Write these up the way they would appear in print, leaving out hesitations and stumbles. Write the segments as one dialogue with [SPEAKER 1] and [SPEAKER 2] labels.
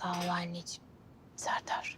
[SPEAKER 1] Sağ ol anneciğim. Serdar.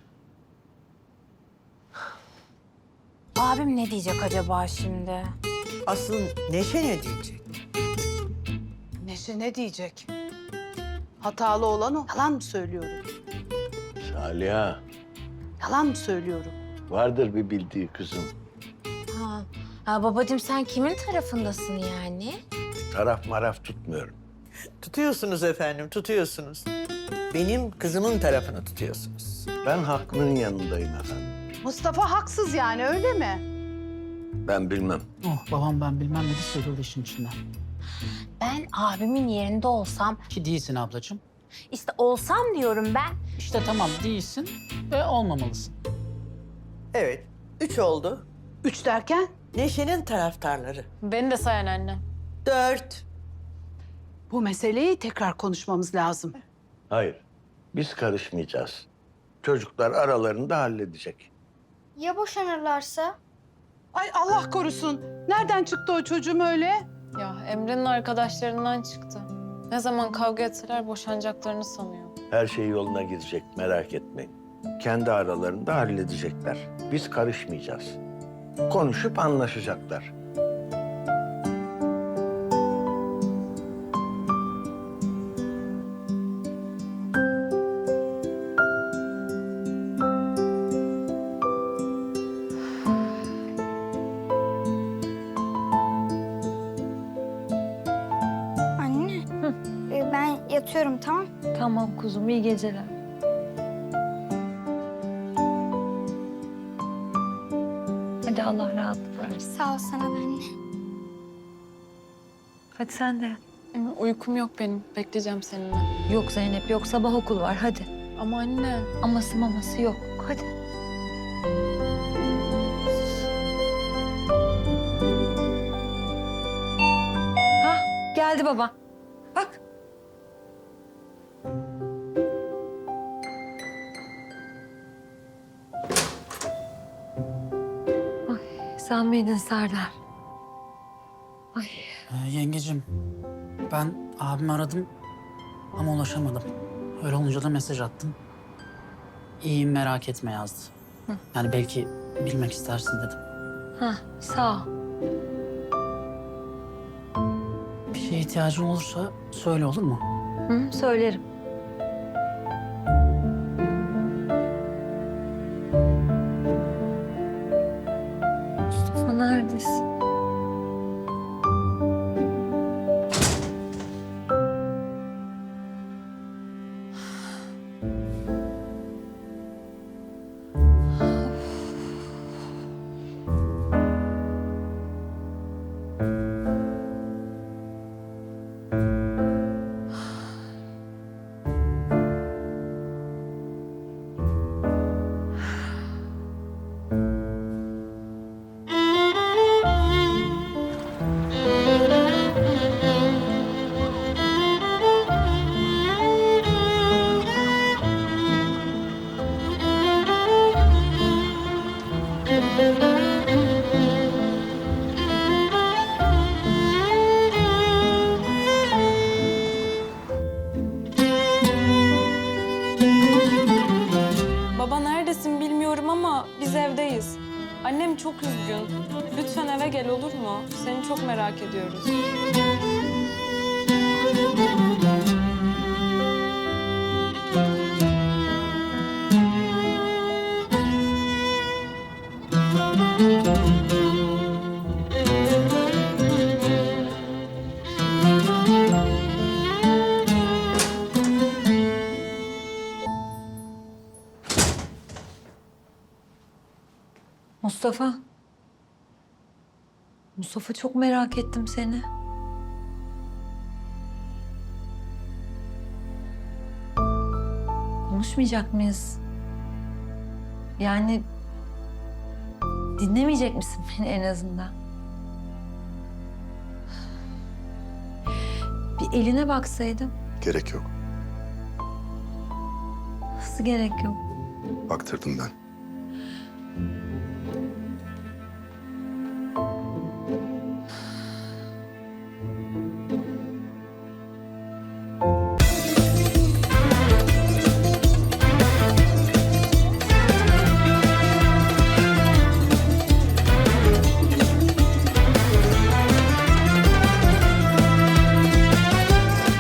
[SPEAKER 1] Abim ne diyecek acaba şimdi?
[SPEAKER 2] Asıl Neşe ne diyecek?
[SPEAKER 3] Neşe ne diyecek? Hatalı olan o. Yalan mı söylüyorum?
[SPEAKER 4] Saliha,
[SPEAKER 3] Yalan mı söylüyorum?
[SPEAKER 4] vardır bir bildiği kızım.
[SPEAKER 1] Babacığım sen kimin tarafındasın yani?
[SPEAKER 4] Taraf maraf tutmuyorum.
[SPEAKER 2] Tutuyorsunuz efendim, tutuyorsunuz. Benim kızımın tarafını tutuyorsunuz.
[SPEAKER 4] Ben haklının yanındayım efendim.
[SPEAKER 3] Mustafa haksız yani öyle mi?
[SPEAKER 4] Ben bilmem.
[SPEAKER 5] Oh babam ben bilmem ne de sıyrıldı işin içinden.
[SPEAKER 1] Ben abimin yerinde olsam,
[SPEAKER 5] Ki değilsin ablacığım.
[SPEAKER 1] işte olsam diyorum ben.
[SPEAKER 5] İşte tamam değilsin ve olmamalısın.
[SPEAKER 2] Evet, 3 oldu.
[SPEAKER 3] 3 derken?
[SPEAKER 2] Neşe'nin taraftarları.
[SPEAKER 6] Beni de sayan anne.
[SPEAKER 2] 4.
[SPEAKER 3] Bu meseleyi tekrar konuşmamız lazım.
[SPEAKER 4] Hayır, biz karışmayacağız. Çocuklar aralarında halledecek.
[SPEAKER 7] Ya boşanırlarsa?
[SPEAKER 3] Ay Allah korusun. Nereden çıktı o çocuğum öyle?
[SPEAKER 6] Ya Emre'nin arkadaşlarından çıktı. Ne zaman kavga etseler boşanacaklarını sanıyor.
[SPEAKER 4] Her şey yoluna girecek, merak etmeyin. Kendi aralarında halledecekler. Biz karışmayacağız. Konuşup anlaşacaklar.
[SPEAKER 7] Anne, ben yatıyorum tamam?
[SPEAKER 8] Tamam kuzum, iyi geceler. Hadi Allah rahatlık versin.
[SPEAKER 7] Sağ ol sana da anne.
[SPEAKER 8] Hadi sen de yat.
[SPEAKER 6] Uykum yok benim. Bekleyeceğim seninle.
[SPEAKER 8] Yok Zeynep, yok sabah okul var hadi.
[SPEAKER 6] Ama anne.
[SPEAKER 8] Aması maması yok, hadi. Hah, geldi baba. Bak. Ay, sen miydin Serdar? Ay.
[SPEAKER 5] Yengecim, ben abimi aradım ama ulaşamadım. Öyle olunca da mesaj attım. İyiyim merak etme yazdı. Yani belki bilmek istersin dedim.
[SPEAKER 8] Hah, sağ ol.
[SPEAKER 5] Bir şeye ihtiyacın olursa söyle olur mu?
[SPEAKER 8] Hı, söylerim. Mustafa neredesin?
[SPEAKER 6] Baba neredesin bilmiyorum ama biz evdeyiz. Annem çok üzgün. Lütfen eve gel olur mu? Seni çok merak ediyoruz.
[SPEAKER 8] Mustafa. Mustafa çok merak ettim seni. Konuşmayacak mıyız? Yani dinlemeyecek misin beni en azından? Bir eline baksaydım.
[SPEAKER 9] Gerek yok.
[SPEAKER 8] Nasıl gerek yok?
[SPEAKER 9] Baktırdım ben.